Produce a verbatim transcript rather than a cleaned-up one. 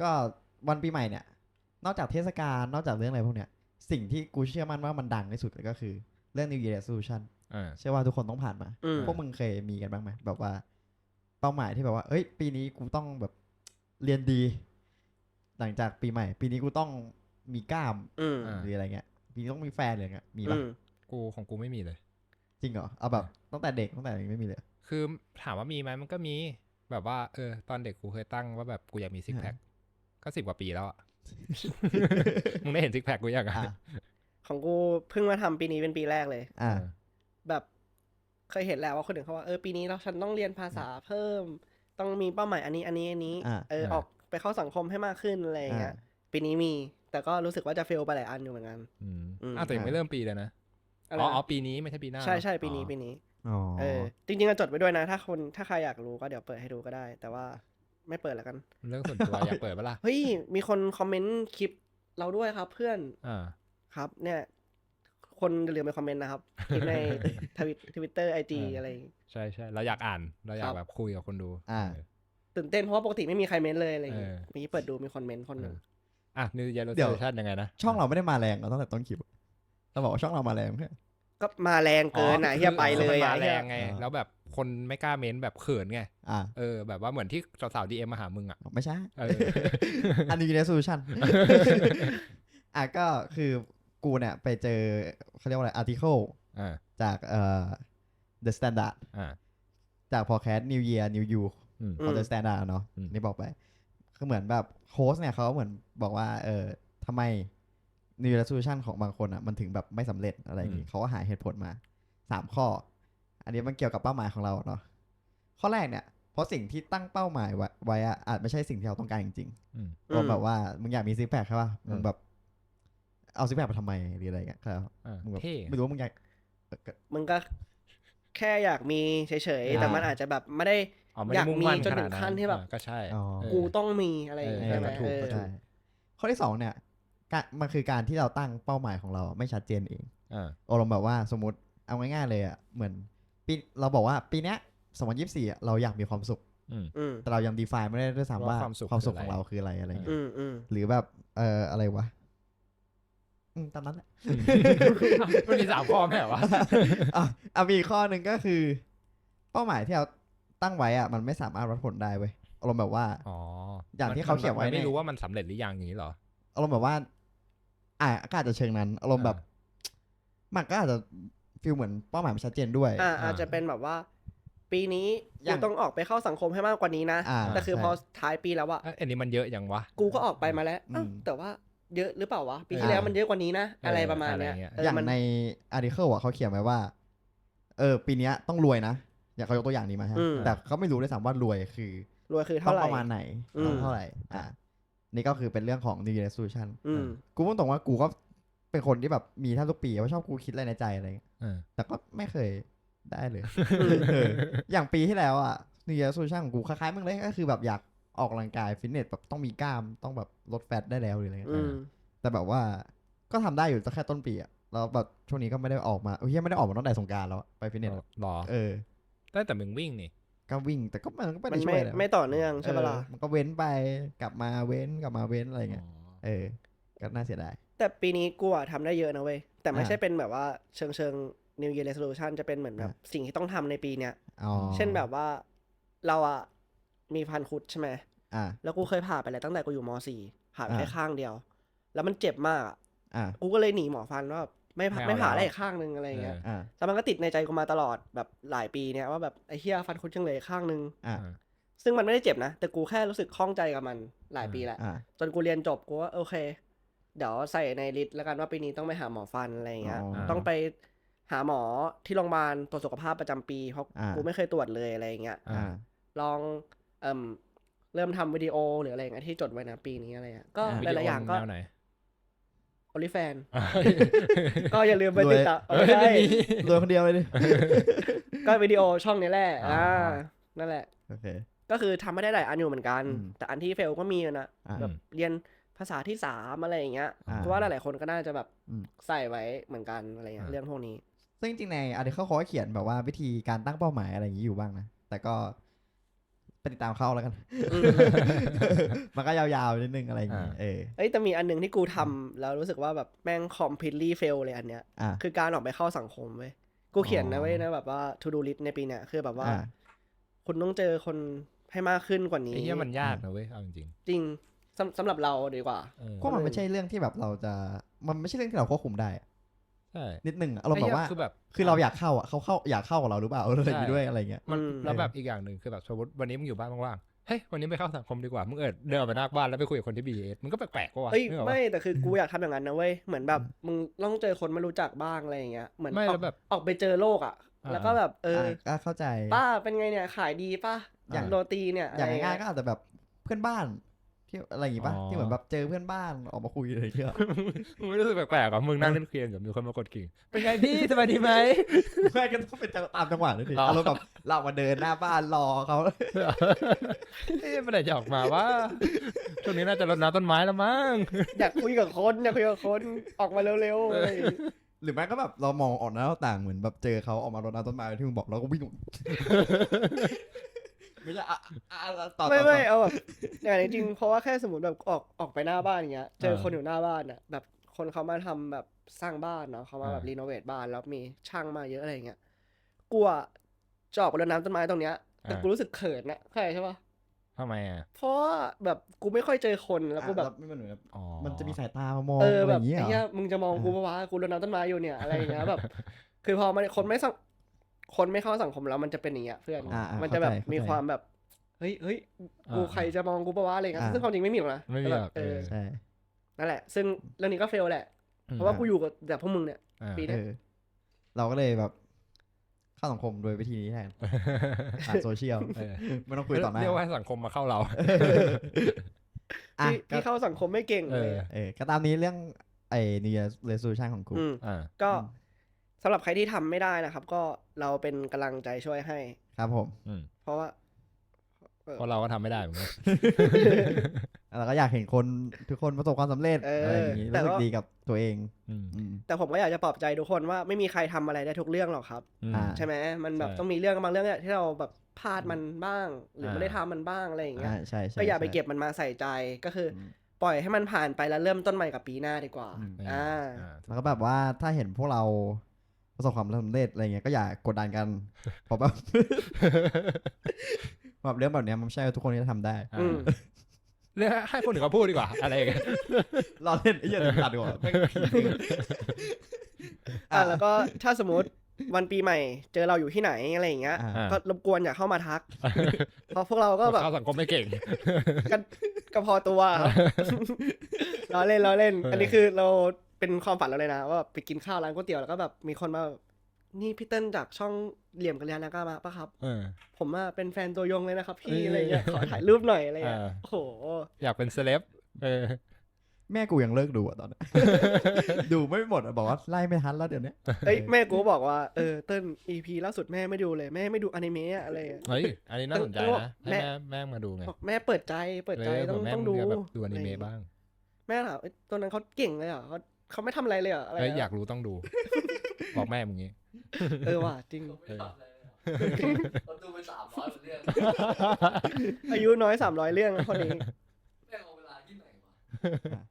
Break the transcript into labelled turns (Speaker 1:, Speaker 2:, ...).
Speaker 1: ก็วันปีใหม่เนี่ยนอกจากเทศกาลนอกจากเรื่องอะไรพวกเนี้ยสิ่งที่กูเชื่อมั่นว่ามันดังที่สุดก็คือเรื่อง New Year Resolution เชื่อว่าทุกคนต้องผ่านมาพวกมึงเคยมีกันบ้างไหมแบบว่าเป้าหมายที่แบบว่าเอ้ยปีนี้กูต้องแบบเรียนดีหลังจากปีใหม่ปีนี้กูต้องมีกล้ามหรืออะไรเงี้ยปีนี้ต้องมีแฟนอะไรเงี้ยมีปะ
Speaker 2: กูของกูไม่มีเลย
Speaker 1: จริงเหรอเอาแบบตั้งแต่เด็กตั้งแต่ไม่มีเลย
Speaker 2: คือถามว่ามีไหมมันก็มีแบบว่าเออตอนเด็กกูเคยตั้งว่าแบบกูอยากมีซิกแพคก็สิบกว่าปีแล้วอ่ะ มึงได้เห็นซิกแพคกูยังอ่ะ
Speaker 3: ของกูเพิ่งมาทำปีนี้เป็นปีแรกเลย
Speaker 1: อ่า
Speaker 3: แบบเคยเห็นแล้วว่าคนอื่นเขาว่าเออปีนี้เราฉันต้องเรียนภาษาเพิ่มต้องมีเป้าหมายอันนี้อันนี้อันนี้เออออกไปเข้าสังคมให้มากขึ้นอะไรอย่างเงี้ยปีนี้มีแต่ก็รู้สึกว่าจะเฟลไปหลายอันอยู่เหมือนกัน
Speaker 2: อืมอ่ะแต่ยังไม่เริ่มปีเลยนะอ๋ออ๋อปีนี้ไม่ใช่ปีหน้า
Speaker 3: ใช่ใช่ปีนี้ปีนี้เออจริงๆก็จดไว้ด้วยนะถ้าคนถ้าใครอยากรู้ก็เดี๋ยวเปิดให้ดูก็ได้แต่ว่าไม่เปิดแล้วกัน
Speaker 2: เรื่องส่วนตัวอยากเปิดปะล่ะ
Speaker 3: เฮ้ยมีคนคอมเมนต์คลิปเราด้วยครับเพื่อน
Speaker 2: อ่า
Speaker 3: ครับเนี่ยคนอย่าลืมไปคอมเมนต์นะครับคลิปในทวิตทวิตเตอร์ไอจีอะไร
Speaker 2: ใช่ใช่เราอยากอ่านเราอยากแบบคุยกับคนดู
Speaker 1: อ่า
Speaker 3: ตื่นเต้นเพราะว่าปกติไม่มีใครเมนเลยอะไรอย่างเงี้ยมีเปิดดูมีคนเมนคนหนึ่ง
Speaker 2: อ่ะนิวเยียร์เรโซลูชั่นยังไงนะ
Speaker 1: ช่องเราไม่ได้มาแรงเราตั้งแต่ต้นคลิปเราบอกว่าช่องเรามาแรงเพื่อ
Speaker 3: ก็มาแรงเกินนะเฮียไปเลย
Speaker 2: มาแรงไงแล้วแบบคนไม่กล้าเม้นแบบเขินไง
Speaker 1: อ่า
Speaker 2: เออแบบว่าเหมือนที่สาวๆดีเอ็มมาหามึงอ่ะ
Speaker 1: ไม่ใช่
Speaker 2: เออ
Speaker 1: อันนี้ในโซลูชันอ่ะก็คือกูเนี่ยไปเจอเขาเรียกว่าอะไรอาร์ติเคิลจากเอ่อ The Standard จาก Podcast New Year New You ของ The Standard เนาะนี่บอกไปคือเหมือนแบบโค้ชเนี่ยเขาเหมือนบอกว่าเออทำไม New Year Resolution ของบางคนอ่ะมันถึงแบบไม่สำเร็จอะไรอย่างงี้เขาก็หาเหตุผลมาสามข้ออันนี้มันเกี่ยวกับเป้าหมายของเราเนาะข้อแรกเนี่ยเพราะสิ่งที่ตั้งเป้าหมายไว้อะอาจไม่ใช่สิ่งที่เราต้องการจริงๆก็แบบว่ามึงอยากมีซิกแพคใช่ป่ะมึงแบบเอาซิกแพคไปทำไมหรืออะไรเงี้ยครับมึงแบบไม่รู้ว่ามึงอยาก
Speaker 3: มึงก็แค่อยากมีเฉยๆแต่มันอาจจะแบบไม่ได้อยากมีจนถึงขั้นที่แบบ
Speaker 2: ก็ใช่
Speaker 3: กูต้องมีอะไรใช่ไหม
Speaker 1: ถูกใช่ข้อที่สองเนี่ยมันคือการที่เราตั้งเป้าหมายของเราไม่ชัดเจนเองอารมณ์แบบว่าสมมติเอาง่ายๆเลยอ่ะเหมือนปีเราบอกว่าปีนี้สองพันยี่สิบสี่เราอยากมีความสุขแต่เรายัง define ไม่ได้ด้วยซ้ำว่าความสุขของเราคืออะไรอะไรเงี้ยหรือแบบเอ่ออะไรวะตามนั้นแหละ
Speaker 2: มันมีสามข้อไหมวะ
Speaker 1: อ่ะมีข้อหนึ่งก็คือเป้าหมายที่เราตั้งไว้อ่ะมันไม่สามารถวัดผลได้เว้ยอารมณ์แบบว่า
Speaker 2: อ๋อ
Speaker 1: อย่างที่เขาเขียนไว้
Speaker 2: ไม่รู้ว่ามันสำเร็จหรือยังอย่างนี้หรอ
Speaker 1: อารมณ์แบบว่าอ่ะก็อาจจะเชิงนั้นอารมณ์แบบมันก็อาจจะฟีลเหมือนเป้าหมายมันชัดเจนด้วย
Speaker 3: อ่าอาจจะเป็นแบบว่าปีนี้กูต้องออกไปเข้าสังคมให้มากกว่านี้นะแต่คือพอท้ายปีแล้วอะ
Speaker 2: อันนี้มันเยอะอย่างวะ
Speaker 3: กูก็ออกไปมาแล้วแต่ว่าเยอะหรือเปล่าวะปีที่แล้วมันเยอะกว่านี้นะอะไรประมาณเนี้ย
Speaker 1: อย่างในอาร์ติเคิลอ่ะเขาเขียนไว้ว่าเออปีนี้ต้องรวยนะอย่างเขายกตัวอย่างนี้มาฮะแต่เขาไม่รู้ด้วยซ้ำว่ารวยคือ
Speaker 3: รวยคือเท่าไหร่
Speaker 1: ประมาณไหนเท่าไหร่อ่ะนี่ก็คือเป็นเรื่องของ New Year Resolution กูพูดตรงว่ากูก็เป็นคนที่แบบมีท่าทุกปีว่าชอบกูคิดอะไรในใจอะไรแต่ก็ไม่เคยได้เลยอย่างปีที่แล้วอ่ะ New Year Resolution ของกูคล้ายๆมึงเลยก็คือแบบอยากออกกำลังกายฟิตเนสแบบต้องมีกล้ามต้องแบบลดแฟตได้แล้วหรืออะไรเงี้ยแต่แบบว่าก็ทำได้อยู่แต่แค่ต้นปีอ่ะแล้วแบบช่วงนี้ก็ไม่ได้ออกมาเฮ้ยไม่ได้ออกมาตั้งแต่สงกรานต์แล้วไปฟิตเนส
Speaker 2: หรอ
Speaker 1: เออ
Speaker 2: ได้แต่มึงวิ่งนี่
Speaker 1: ก็วิ่งแต่ก็มันก็ไม่
Speaker 3: ได้
Speaker 1: ช่วย
Speaker 3: ไม่ต่อเนื่องใช่ปะล่ะ
Speaker 1: มันก็เว้นไปกลับมาเว้นกลับมาเว้นอะไรเงี้ยเออก็น่าเสียดาย
Speaker 3: แต่ปีนี้กูอะทำได้เยอะนะเว้ยแต่ไม่ใช่เป็นแบบว่าเชิงเชิง New Year Resolution จะเป็นเหมือนแบบสิ่งที่ต้องทำในปีเนี้ยเช่นแบบว่าเราอะมีพันคุดใช่ไหมแล้วกูเคยผ่าไปแล้วตั้งแต่กูอยู่ม.สี่ ผ่าแค่ข้างเดียวแล้วมันเจ็บมากอ่ะกูก็เลยหนีหมอฟันว่าไม่ไม่ผ่าได้อีกข้างนึงอะไรเงี้ยแต่มันก็ติดในใจกูมาตลอดแบบหลายปีเนี้ยว่าแบบไอ้เหี้ยฟันคุดจังเลยข้างนึงซึ่งมันไม่ได้เจ็บนะแต่กูแค่รู้สึกคล่องใจกับมันหลายปีแหละจนกูเรียนจบกูว่าโอเคเดี๋ยวใส่ในลิสต์แล้วกันว่าปีนี้ต้องไปหาหมอฟันอะไรเงี้ยต้องไปหาหมอที่โรงพยาบาลตรวจสุขภาพประจำปีเพราะกูไม่เคยตรวจเลยอะไรเงี้ยลองเอ่มเริ่มทำวิดีโอหรืออะไรอย่างเงี้ยที่จดไว้นะปีนี้อะไรอ่ะก็หลายๆอย่างก็โอลิแฟนก็อย่าลืมไปติดตาม
Speaker 1: ได้รวยคนเดียวเลยดิ
Speaker 3: ก็วิดีโอช่องนี้แหละอ่านั่นแหละ
Speaker 1: โอเค
Speaker 3: ก็คือทำไม่ได้หลายอันอยู่เหมือนกันแต่อันที่เฟลก็มีนะแบบเรียนภาษาที่สามอะไรอย่างเงี้ยเพราะว่าหลายๆคนก็น่าจะแบบใส่ไว้เหมือนกันอะไรเงี้ยเรื่องพวกนี้
Speaker 1: ซึ่งจริงๆในอาร์ติเคิลเขาเขียนแบบว่าวิธีการตั้งเป้าหมายอะไรอย่างนี้อยู่บ้างนะแต่ก็ไปติดตามเขาแล้วกันมันก็ยาวๆนิดนึงอะไรอย่างเงี้ยเออ
Speaker 3: เอ้ยแต่มีอันนึงที่กูทำแล้วรู้สึกว่าแบบแม่ง completely fail เลยอันเนี้ยคือการออกไปเข้าสังคมเว้ยกูเขียนนะเว้ยนะแบบว่า to do list ในปีเนี้ยคือแบบว่าคุณต้องเจอคนให้มากขึ้นกว่านี้
Speaker 2: ไอ้เหี้ยมันยากนะเว้ยเอาจริง
Speaker 3: จริงสำสำหรับเราดีกว่า
Speaker 1: ก็มันไม่ใช่เรื่องที่แบบเราจะมันไม่ใช่เรื่องที่เราควบคุมได้
Speaker 2: ใช่
Speaker 1: นิดนึงอารมณ์แบบว่าคือแบบคือเราอยากเข้าอ่ะเขาเข้าอยากเข้ากับเราหรือเปล่าอะไรอย่างงี้ด้วยอะไรเงี้ย
Speaker 2: มันแล้วแบบอีกอย่างหนึ่งคือแบบสมมติวันนี้มึงอยู่บ้านว่างๆเฮ้ยวันนี้ไปเข้าสังคมดีกว่ามึงเออเดินไปหน้าบ้านแล้วไปคุยกับคนที่ บี เอส มันก็แปลกๆกว่า
Speaker 3: เฮ้ยไม่แต่คือกูอยากทำอย่างนั้นนะเว้ยเหมือนแบบมึงต้องเจอคนไม่รู้จักบ้างอะไรอย่างเงี้ยเหมือนออกออกไปเจอโลกอ่ะแล้วก็แบบเออ
Speaker 1: เข้าใจ
Speaker 3: ป้าเป็นไงเนี่ยขายดีป่ะอย่างโรตีเนี่ย
Speaker 1: อย่างง่ายๆก็อาจจะแบบเพื่อนบ้านที่อะไรอย่างงี้ป่ะที่เหมือนแบบเจอเพื่อนบ้านออกมาคุยอะไรเงี้ย
Speaker 2: มึงไม่รู้สึกแปลกๆอ่ะมึงนั่งเล่นเกมกับมีคนมากดกิ่งเป็นไงพี่สบายดีไหม
Speaker 1: ไม่ก็ต้องเป็นตามจังหวะด้วยดิอารมณ์แบบเรามาเดินหน้าบ้านรอเขา
Speaker 2: เอ๊ะมันไหนจะออกมาว่าช่วงนี้น่าจะรดน้ำต้นไม้แล้วมั้ง
Speaker 3: อยากคุยกับคนอยากคุยกับคนออกมาเร็ว
Speaker 1: ๆหรือแม้ก็แบบเรามองออกหน้าต่างเหมือนแบบเจอเขาออกมารดน้ำต้นไม้ที่มึงบอกแล้วก็วิ่งไม่ใช่อ่ะ
Speaker 3: ต่อไม่ไม่เอาแบบอย่างจริงเพราะว่าแค่สมมติแบบออกออกไปหน้าบ้านอย่างเงี้ยเจอคนอยู่หน้าบ้านอ่ะแบบคนเขามาทำแบบสร้างบ้านเนาะเขามาแบบรีโนเวทบ้านแล้วมีช่างมาเยอะอะไรเงี้ยกลัวจอกไปรดน้ำต้นไม้ตรงเนี้ยแต่กูรู้สึกเขินนะเข้าใจใช่ปะ
Speaker 2: ทำไมอ่ะ
Speaker 3: เพราะแบบกูไม่ค่อยเจอคนแล้วกูแบบ
Speaker 1: ไม่เหมือนแบบมันจะมีสายตามามอง
Speaker 3: อะไร
Speaker 1: อย่างเงี้ย
Speaker 3: ไอ้เหี้ยมึงจะมองกูปะวะกูรดน้ำต้นไม้อยู่เนี่ยอะไรอย่างเงี้ยแบบคือพอมันคนไม่คนไม่เข้าสังคมแล้วมันจะเป็นอย่างเงี้ยเพื่อนมันจะแบบมีความแบบเฮ้ยเฮ้ยกูใครจะมองกูปะวะอะไรเงี้ยซึ่งความจริงไม่มีหรอกนะ
Speaker 2: ไม่มีหรอก
Speaker 3: เออใช่นั่นแหละซึ่งเรื่องนี้ก็เฟลแหละเพราะว่ากูอยู่กับแต่พวกมึงเนี่ยปีนี้
Speaker 1: เราก็เลยแบบเข้าสังคมโดยวิธีนี้แทนผ่านโซเชียลไม่ต้องคุยต่อหน้า
Speaker 2: เรียกว่าสังคมมาเข้าเรา
Speaker 3: ที่เข้าสังคมไม่เก่งเลย
Speaker 1: เออก็ตามนี้เรื่องไอ้ New Year Resolution ของกู
Speaker 3: ก็สำหรับใครที่ทำไม่ได้นะครับก็เราเป็นกำลังใจช่วยให้
Speaker 1: ครับผม
Speaker 3: เพราะว่า
Speaker 2: เพราะเราก็ทำไม่ได้เหมือนกัน
Speaker 1: เราก็อยากเห็นคนทุกคนประสบความสำเร็จอะไรอย่างนี้รู้สึกดีกับตัวเอง
Speaker 3: แต่ผมก็อยากจะปลอบใจทุกคนว่าไม่มีใครทำอะไรได้ทุกเรื่องหรอกครับใช่ไหมมันแบบต้องมีเรื่องบางเรื่องที่เราแบบพลาดมันบ้างหรือไม่ได้ทำมันบ้างอะไรอย่างเงี้ยก็อย่าไปเก็บมันมาใส่ใจก็คือปล่อยให้มันผ่านไปแล้วเริ่มต้นใหม่กับปีหน้าดีกว่าอ่า
Speaker 1: แล้วก็แบบว่าถ้าเห็นพวกเราประสบความสำเร็จอะไรเงี้ยก็อย่ากดดันกันเพราะแบบแบบเรื่องแบบนี้มันไม่ใช่ทุกคนที่จะทำได้
Speaker 2: เรื่องให้คนอื่นเขาพูดดีกว่าอะไรกัน
Speaker 1: รอเล่นไอ้เหี้ยตัดดีกว่า
Speaker 3: อ่าแล้วก็ถ้าสมมติวันปีใหม่เจอเราอยู่ที่ไหนอะไรอย่างเงี้ยก็รบกวนอย่าเข้ามาทักเพราะพวกเราก็แบบ
Speaker 2: เข้าสังคมไม่เก่ง
Speaker 3: กันก็พอตัวล้อเล่นล้อเล่นอันนี้คือเราเป็นความฝันเราเลยนะว่าไปกินข้าวร้านก๋วยเตี๋ยวแล้วก็แบบมีคนมานี่พี่เติ้ลจากช่องเหลี่ยมกัลยาณกามาปะครับผมว่าเป็นแฟนตัวยงเลยนะครับพี่อะไรเงี้ยขอถ่ายรูปหน่อยอะไรเงี้ยโอ้โห
Speaker 2: อยากเป็นเซเลบ
Speaker 1: แม่กูยังเลิกดูอ่ะตอนนั้นดูไม่หมดอ่ะบอกว่าไล่ไม่ทันแล้วเดี๋ยวนี้
Speaker 3: เอ้ยแม่กูบอกว่าเออเติ้ล อี พี ล่าสุดแม่ไม่ดูเลยแม่ไม่ดูอนิเมะอะไร
Speaker 2: เฮ้ยอันนี้น่าสนใจนะแม่แม่มาดูไง
Speaker 3: แม่เปิดใจเปิดใจต้องต้องดู
Speaker 2: ดูอนิเมะบ้าง
Speaker 3: แม่ถามตัวนั้นเขาเก่งเลยเหรอเขาเขาไม่ทำอะไรเลยเหรออะไร
Speaker 2: อยากรู้ต้องดูบอกแม่มึงงี้
Speaker 3: เออว่ะจริง
Speaker 4: เขาดูไปสามร้อยเรื่อง
Speaker 3: อายุน้อยสามร้อยเรื่องคนนี้
Speaker 4: แม่เอาเวลาที่ไหนวะ